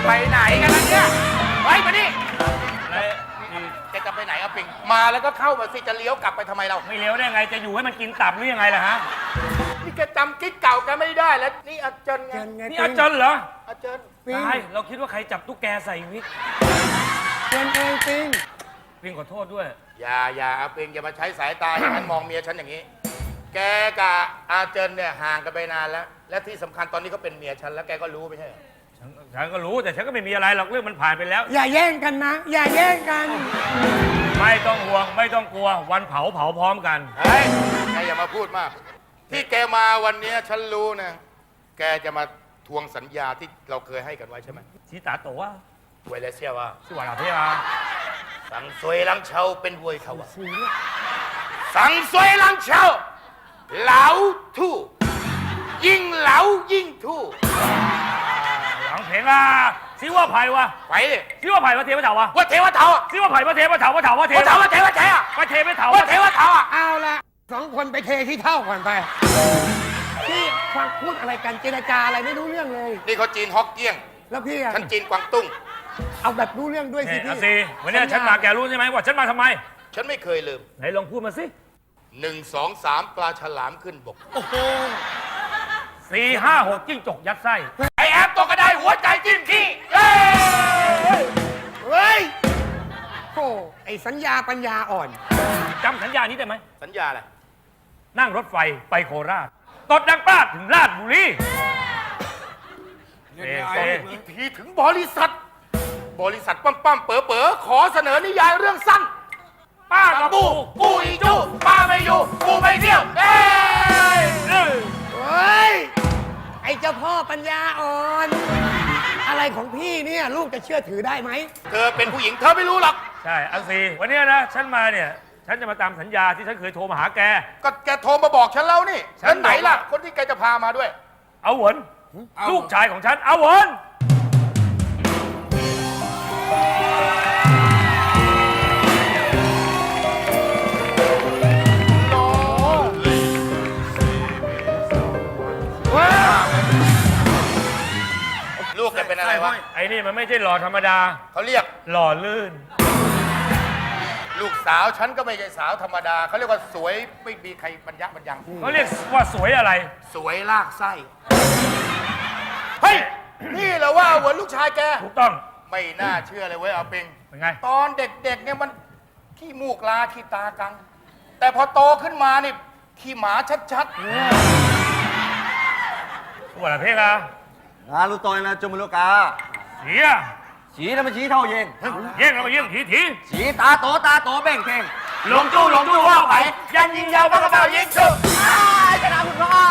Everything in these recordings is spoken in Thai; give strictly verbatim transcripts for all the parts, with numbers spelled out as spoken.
ไปไหนกันล่ะเนี่ยไว้มาดิแกจะไปไหนอะปิงมาแล้วก็เข้ามาสิจะเลี้ยวกลับไปทำไมเราไม่เลี้ยวได้ไงจะอยู่ให้มันกินตับหรือยังไงล่ะฮะนี่แกจำกิ๊กเก่ากันไม่ได้แล้วนี่อาจารย์ไงนี่อาจารย์เหรออาจารย์ใช่เราคิดว่าใครจับตุ๊กแกใส่วิกเจนเองปิงปิงขอโทษด้วยอย่าอย่าปิงอย่ามาใช้สายตาฉันมองเมียฉันอย่างนี้แกกับอาเจนเนี่ยห่างกันไปนานแล้วและที่สำคัญตอนนี้เขาเป็นเมียฉันแล้วแกก็รู้ไม่ใช่ฉันฉันก็รู้แต่ฉันก็ไม่มีอะไรหรอกเรื่องมันผ่านไปแล้วอย่าแย่งกันนะอย่าแย่งกันไม่ต้องห่วงไม่ต้องกลัววันเผาเผาพร้อมกันเฮ้ยแกอย่ามาพูดมากที่แกมาวันนี้ฉันรู้นะแกจะมาทวงสัญญาที่เราเคยให้กันไว้ใช่ไหมชีตาโตว่าเวลาเซียว่าชื่อว่าอะไรอ่ะสังสวยลังเชาเป็นวยเขาว่าสังสวยลังเชาเหลาทู่ยิ่งเหลายิ่งทู่หลังเพลงอ่ะซิว่าไผ่วะไปเลยซิว่าไผ่ว่าเทวะเถาวะว่าเทวะเถาซิว่าไผ่ว่าเทวะเถาว่าเถาว่าเทวะเถาว่าเทวะเถาว่าเทวะเถาว่าเทวะเถาอ่ะเอาละสองคนไปเทที่เท่าก่อนไปพี่ฟังพูดอะไรกันเจรจาอะไรไม่รู้เรื่องเลยนี่เขาจีนฮอกเกี้ยงแล้วพี่ฉันจีนกวางตุ้งเอาแบบรู้เรื่องด้วยสิพี่สิวันนี้ฉันมาแกรู้ใช่ไหมว่าฉันมาทำไมฉันไม่เคยลืมไหนลองพูดมาสิหนึ่งสองสามปลาฉลามขึ้นบกโอ้โหสี่ห้าหกจิ้งจกยัดไส้ไอแอปตัวกระไดหัวใจจิ้มขี้เฮ้ยเฮ้ยโอ้ไอสัญญาปัญญาอ่อนจำสัญญานี้ได้ไหมสัญญาอะไรนั่งรถไฟไปโคราชตดดังปลาดถึงราชบุรีอีกทีถึงบริษัทบริษัทปั้มปั้มเป๋อเป๋อขอเสนอนิยายเรื่องสั้นป้ากับปูปูอีจูป้าไม่อยู่ปูไม่เที่ยวเอ้ยเฮ้ยไอเจ้าพ่อปัญญาอ่อนอะไรของพี่เนี่ยลูกจะเชื่อถือได้ไหมเธอเป็นผู้หญิงเธอไม่รู้หรอกใช่อังซีวันนี้นะฉันมาเนี่ยฉันจะมาตามสัญญาที่ฉันเคยโทรมาหาแกก็แกโทรมาบอกฉันแล้วนี่ฉันไหนล่ะคนที่แกจะพามาด้วยเอาหวนลูกชายของฉันเอาหวนลูกแกเป็นอะไรวะไอ้นี่มันไม่ใช่หล่อธรรมดาเขาเรียกหล่อลื่นลูกสาวฉันก็ไม่ใช่สาวธรรมดาเขาเรียกว่าสวยไม่มีใครบรรยะบรรยังเขาเรียกว่าสวยอะไรสวยลากไส้เฮ้ยนี่เหรอว่าเหมือนลูกชายแกถูกต้องไม่น่าเชื่อเลยเว้ยเอาปิงเป็นไงตอนเด็กๆเนี่ยมันขี้มูกลาขี้ตากังแต่พอโตขึ้นมานี่ขี้หมาชัดๆว่าอะไรเพลงอะ啊，路當然啦，做乜路㗎？ 屎啊！ 屎你咪屎頭型， 型係咪型？鐵鐵。 屎打朵打朵俾人傾， 龍珠龍珠花牌，人形有乜個爆影出？ 啊！真係唔錯啊！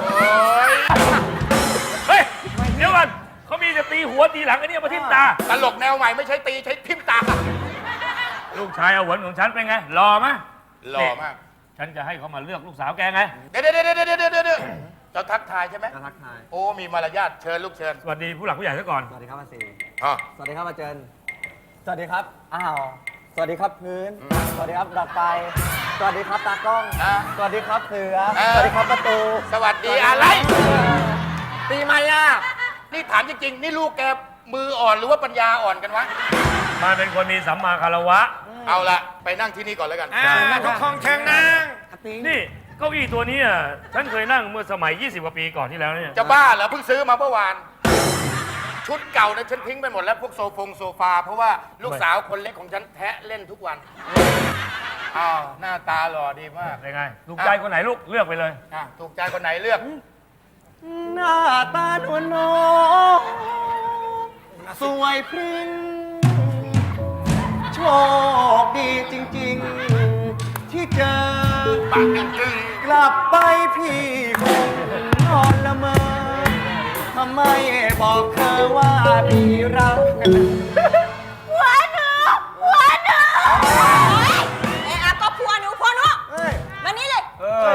เฮ้ยเดี๋ยวก่อนเขามีจะตีหัวตีหลังอันนี้มาทิ่มตาตลกแนวใหม่ไม่ใช่ตีใช้ทิ่มตาลูกชายเอาหวนของฉันเป็นไงหล่อไหมหล่อมากฉันจะให้เขามาเลือกลูกสาวแกไงเดี๋ยวเดี๋ยวเดี๋ยวเดี๋ยวเดี๋ยวเดี๋ยวจะทักทายใช่ไหมจะทักทายโอ้มีมารยาทเชิญลูกเชิญสวัสดีผู้หลักผู้ใหญ่ซะก่อนสวัสดีครับอาซีอ๋อสวัสดีครับอาเจนสวัสดีครับอ้าวสวัสดีครับพื้นสวัสดีครับดอกไฟสวัสดีครับตากล้องสวัสดีครับเสือสวัสดีครับประตูสวัสดีอะไรตีมาอ่ะนี่ถามจริงๆนี่ลูกแกมืออ่อนหรือว่าปัญญาอ่อนกันวะมันเป็นคนมีสัมมาคารวะเอาละไปนั่งที่นี่ก่อนแล้วกันทุกของเชิงนั่งนี่เก้าอี้ตัวนี้อ่ะฉันเคยนั่งเมื่อสมัยยี่สิบกว่าปีก่อนที่แล้วเนี่ยจะบ้าเหรอเพิ่งซื้อมาเมื่อวานชุดเก่านะฉันทิ้งไปหมดแล้วพวกโซฟงโซฟาเพราะว่าลูกสาวคนเล็กของฉันแทะเล่นทุกวันอ้าวหน้าตาหล่อดีมากเป็นไงถูกใจคนไหนลูกเลือกไปเลยถูกใจคนไหนเลือกหน้าตาหนวลน้องสวยพริ้งโชคดีจริงๆที่เจอปากจึงกลับไปพี่คงนอนละเมอทำไมบอกเธอว่าพี่รักผัวหนูผัวหนูเอ๊ะก็ผัวหนูผัวหนูมานี่เลยเออ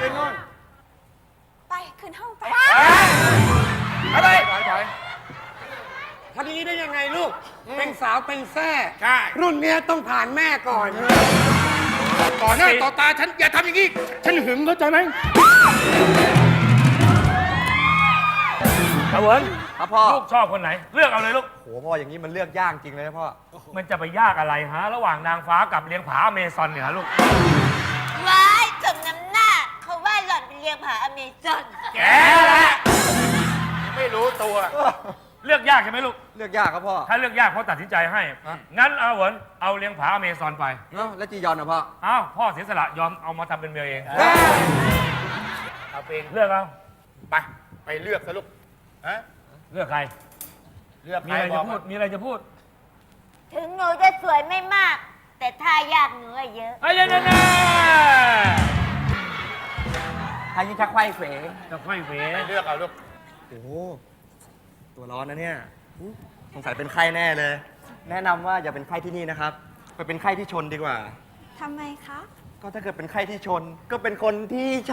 ไปขึ้นห้องไปอะไรพอดีได้ยังไงลูกเป็นสาวเป็นแซ่ใช่รุ่นเนี้ยต้องผ่านแม่ก่อนต่อหน้าต่อตาฉันอย่าทำอย่างนี้ฉันหึงเข้าใจไหมเอาววนครับพ่อลูกชอบคนไหน เลือกเอาเลยลูกโหพ่ออย่างนี้มันเลือกยากจริงเลยนะพ่อมันจะไปยากอะไรฮะ ระหว่างนางฟ้ากับเลี้ยงผาอเมซอนเนี่ยฮะลูกว้ายจมน้ำหน้า เขาว่าหล่อนเป็นเลี้ยงผาอเมซอนแกแหละไม่รู้ตัวเลือกยากใช่ไหมลูกเลือกยากครับพ่อถ้าเลือกยากพ่อตัดสินใจให้ งั้นเอาเหวนเอาเลี้ยงผาอเมซอนไปเนาะแล้วจียอนนะพ่ออ้าวพ่อเสียสละยอมเอามาทำเป็นเมียเองเอาเป็นเลือกเอาไป ไปเลือกซะลูกฮะเลือกใครเลือกมีใครอะไรบจะอกพูมาด มีอะไรจะพูดถึงหนูจะสวยไม่มาก แต่ท่ายากหนูอะเยอะไอ้ยันน่ะทายิงชักไขว้เขวจะค่อยเวไปเลือกเอาลูกโอ้โหตัวร้อนนะเนี่ยสงสัยเป็นไข้แน่เลย แนะนำว่าอย่าเป็นไข้ที่นี่นะครับ ไปเป็นไข้ที่ชนดีกว่าทำไมคะก็ถ้าเกิดเป็นไข้ที่ชน ก็เป็นคนที่ใช่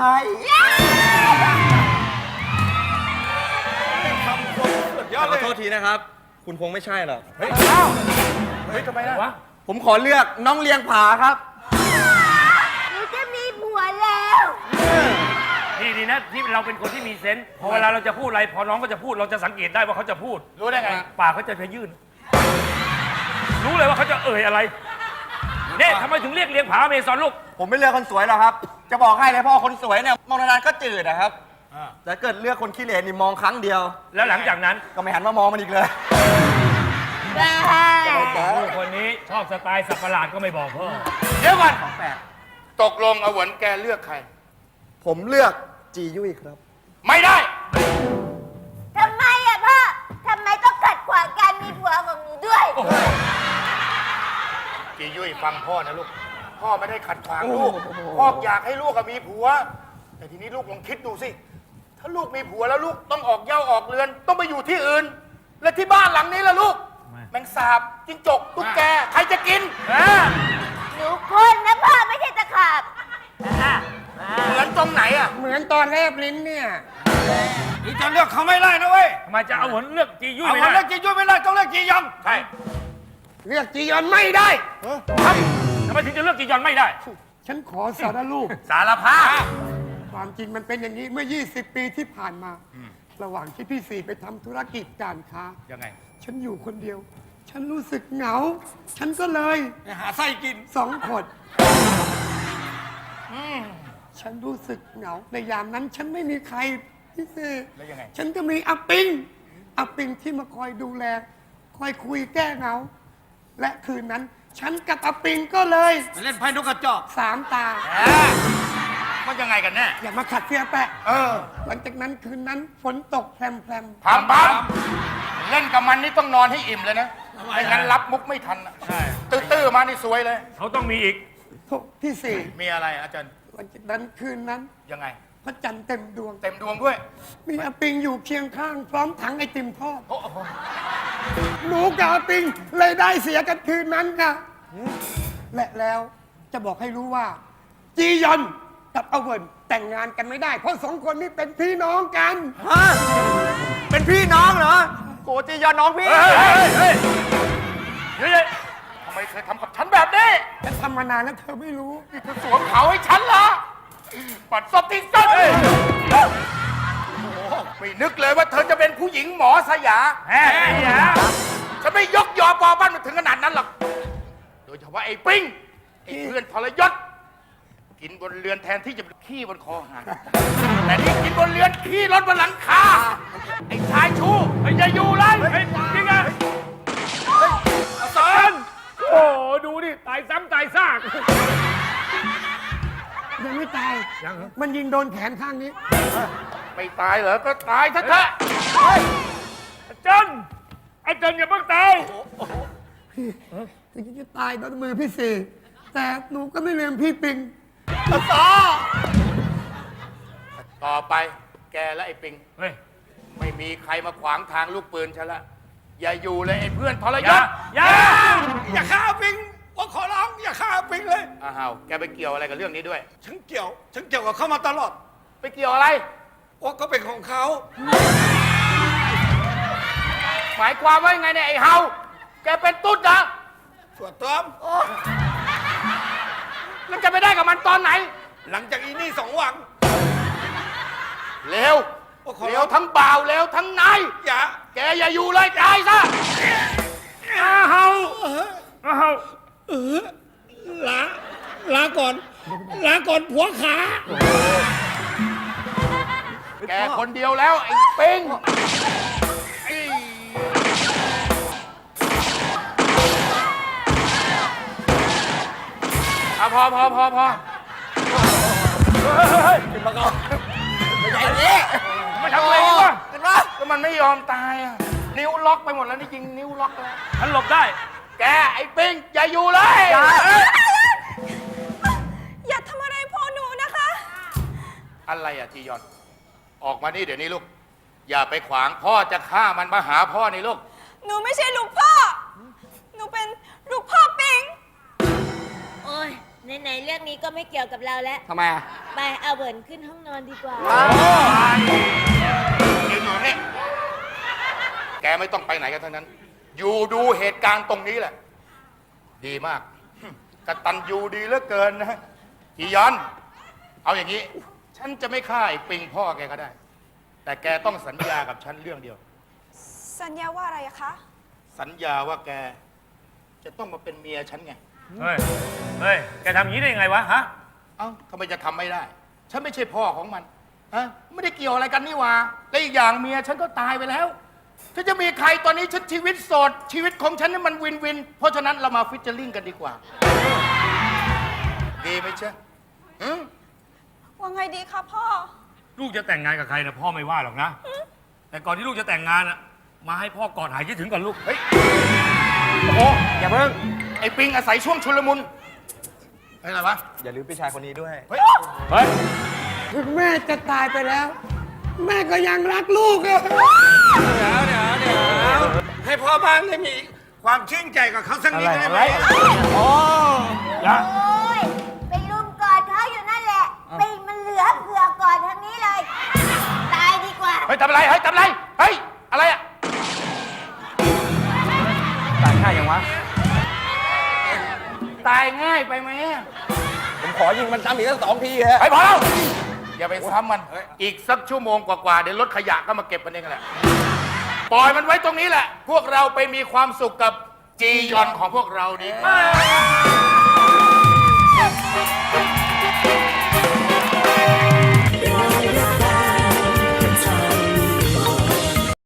ยอดขเลอย โทษทีนะครับ คุณคงไม่ใช่หรอกเฮ้ยเอ้าเฮ้ยทำไมล่ะวะผมขอเลือกน้องเลียงผาครับหนูจะมีผัวแล้วนี่ดีนะที่เราเป็นคนที่มีเซนส์พอเวลาเราจะพูดอะไร พอน้องก็จะพูดเราจะสังเกตได้ว่าเขาจะพูดรู้ได้ไงปากเขาจะพยื่น รู้เลยว่าเขาจะเอ่ยอะไรเนี่ยทำไมถึงเรียกเลี้ยงผาอเมซอนลูกผมไม่เลือกคนสวยหรอกครับ จะบอกให้เลยพ่อคนสวยเนี่ยมองนานๆก็จืดนะครับ แต่เกิดเลือกคนขี้เหร่นี่มองครั้งเดียวแล้วหลังจากนั้นก็ไม่หันมามองมันอีกเลยลูกคนนี้ชอบสไตล์สับประหลาดก็ไม่บอกพ่อเดี๋ยวก่อนของแปลกตกลงเอาหวนแกเลือกใครผมเลือกจียุ่ยครับไม่ได้ทำไมอะพ่อ ทำไมต้องขัดขวางการมีผัวของหนูด้วยจียุ้ยฟังพ่อนะลูก พ่อไม่ได้ขัดขวางลูก พ่ออยากให้ลูกอะมีผัว แต่ทีนี้ลูกลองคิดดูสิ ถ้าลูกมีผัวแล้วลูกต้องออกเหย้าออกเรือน ต้องไปอยู่ที่อื่น และที่บ้านหลังนี้ล่ะลูก แมงสาบจิ้งจกตุ๊กแก ใครจะกินหนูคนนะพ่อไม่ใช่ตะขาบเหมือนตรงไหนอะเหมือนตอนแลบลิ้นเนี่ยนี่จะเลือกเขาไม่ได้นะเว้ยทำไมจะเอาหวนเลือกจียุ่ยเอาไม่คนได้เลือกจียุ้ยไม่ได้ต้องเลือกจียองใช่เลือกจียอนไม่ได้ทำไมถึงจะเลือกจียอนไม่ได้ฉันขอสารรูปสารภาพความจริงมันเป็นอย่างนี้เมื่อ ยี่สิบ ปีที่ผ่านมา ระหว่างที่พี่สี่ไปทำธุรกิจการค้ายังไงฉันอยู่คนเดียว ฉันรู้สึกเหงา ฉันก็เลยไปหาไส้กินสองคนฉันรู้สึกเหงา ในยามนั้นฉันไม่มีใครพี่สี่แล้วยังไงฉันก็มีอาปิงอาปิงที่มาคอยดูแล คอยคุยแก้เหงา และคืนนั้น ฉันกับอาปิงก็เลยเล่นไพ่นกกระจอกสามตามันยังไงกันแน่อย่ามาขัดเสียแปะเออหลังจากนั้นคืนนั้นฝนตกแพรมแพรมพามพามเล่นกับมันนี่ต้องนอนให้อิ่มเลยนะ ไม่งั้นรับมุกไม่ทันอะใช่ตื้อๆมานี่สวยเลยเขาต้องมีอีกโถพี่สี่มีอะไรอาจารย์หลังจากนั้นคืนนั้นยังไงพระจันทร์เต็มดวงเต็มดวงด้วยมีอาปิงอยู่เคียงข้าง พร้อมถังไอติมทอดโอ้โหหนูกับอาปิงเลยได้เสียกันคืนนั้นค่ะและแล้วจะบอกให้รู้ว่า จียอนกับอเวิร์นแต่งงานกันไม่ได้ เพราะสองคนนี้เป็นพี่น้องกันฮะ เป็นพี่น้องเหรอโกจียอนน้องพี่เฮ้ยเฮ้ยเฮ้ยเฮ้ยเฮ้ยทำไมเคยทำกับฉันแบบนี้ฉันทำมานานแล้วเธอไม่รู้นี่เธอสวมเขาให้ฉันเหรอ ปัดซบที่สุดโอ้โหไม่นึกเลยว่าเธอจะเป็นผู้หญิงหมอสยาแฮ่แย่ฉันไม่ยกยอปอบ้านมาถึงขนาดนั้นหรอก โดยเฉพาะไอ้ปิ้ง ไอ้เพื่อนทรยศ กินบนเรือนแทนที่จะขี้บนคอหารแต่นี่กินบนเรือนขี้รถบนหลังคา ไอ้ชายชูไอ้จะอยู่ไรเฮ้ยจริงอ่ะสอนโอ้โหดูดิตายซ้ำตายซากยังไม่ตายยังเหรอมันยิงโดนแขนข้างนี้ไม่ตายเหรอ ก็ตายเถอะเถอะอาจารย์อาจารย์อย่าเพิ่งตายถึงจะตายโดนมือพี่สี่แต่หนูก็ไม่ลืมพี่ปิงต่อไปแกและไอ้ปิงเฮ้ยไม่มีใครมาขวางทางลูกปืนฉันละ อย่าอยู่เลยไอ้เพื่อนทรอย ย่าศอย่าอย่าฆ่าปิงว่าขอร้องอย่าฆ่าปิงเลยอ้าวแกไปเกี่ยวอะไรกับเรื่องนี้ด้วยฉันเกี่ยว ฉันเกี่ยวกับเขามาตลอดไปเกี่ยวอะไรว่าก็เป็นของเขาหมายความว่ายังไงเนี่ยไอ้เฮา แกเป็นตุ๊ดเหรอส่วนต้อมแล้วจะไปได้กับมันตอนไหนหลังจากอีนี่สองวันเร็วว่าขอแล้ร้อวงทั้งบ่าวแล้วทั้งนายอย่าแกอย่าอยู่เลยตายซะอ้าวอ้าวเออลาลาก่อนลาก่อนผัวขาแกคนเดียวแล้วไอ้ปิงไอ้อะพอพอพอพอไม่ใช่นี่ไม่ทำอะไรวะกันวะก็มันไม่ยอมตายอ่ะนิ้วล็อกไปหมดแล้วนี่จริงนิ้วล็อกแล้วฉันหลบได้แกไอ้ปิงอย่าอยู่เลยอย่าทำอะไรพ่อหนูนะคะอะไรอ่ะจียอน ออกมานี่เดี๋ยวนี้ลูก อย่าไปขวางพ่อจะฆ่ามันมาหาพ่อนี่ลูกหนูไม่ใช่ลูกพ่อ หนูเป็นลูกพ่อปิงโอ้ยไหนๆเรื่องนี้ก็ไม่เกี่ยวกับเราแล้วทำไมอ่ะไปเอาเบิร์นขึ้นห้องนอนดีกว่ายืนอยู่นี่แกไม่ต้องไปไหนกันทั้งนั้น อยู่ดูเหตุการณ์ตรงนี้แหละ ดีมากกตัญญูดีเหลือเกินนะจียอน เอาอย่างนี้ ฉันจะไม่ฆ่าไอ้ปิงพ่อแกก็ได้ แต่แกต้องสัญญากับฉันเรื่องเดียวสัญญาว่าอะไรอะคะสัญญาว่าแก จะต้องมาเป็นเมียฉันไงเฮ้ย เฮ้ย แกทำอย่างนี้ได้ยังไงวะ ฮะเอ้าทำไมจะทำไม่ได้ ฉันไม่ใช่พ่อของมันฮะไม่ได้เกี่ยวอะไรกันนี่หว่าและอีกอย่างเมียฉันก็ตายไปแล้วฉันจะมีใครตอนนี้ฉันชีวิตโสดชีวิตของฉันนี่มันวินวิน เพราะฉะนั้นเรามาฟิชเจอริงกันดีกว่า ดีไหมเช่อืมว่าไงดีคะพ่อลูกจะแต่งงานกับใครนะพ่อไม่ว่าหรอกนะ แต่ก่อนที่ลูกจะแต่งงานอะมาให้พ่อกอดหายคิดถึงก่อนลูกเฮ้ยโอ้โหอย่าเพิ่งไอ้ปิงอาศัยช่วงชุลมุนเฮ้ยอะไรวะอย่าลืมพี่ชายคนนี้ด้วยเฮ้ยเฮ้ยถึงแม่จะตายไปแล้ว แม่ก็ยังรักลูกอะเดี๋ยวเดี๋ยวเดี๋ยวให้พ่อบ้านได้มีความชื่นใจกับเขาสักนิดได้ไหมอ๋ออย่าโอ้ยไปลุมกอดเขาอยู่นั่นแหละปิงมันเหลือเผื่อกอดทางนี้เลย ตายดีกว่าเฮ้ยทำอะไรเฮ้ยทำอะไรเฮ้ยอะไรอะตายง่ายยังวะตายง่ายไปไหมอะผมขอยิงมันซ้ำอีกสักสองทีฮะเฮ้ยพอแล้วอย่าไปซ้ำมัน อีกสักชั่วโมงกว่าๆเดี๋ยวรถขยะก็มาเก็บมันเองแหละ ปล่อยมันไว้ตรงนี้แหละ พวกเราไปมีความสุขกับจียอนของพวกเราดีกว่า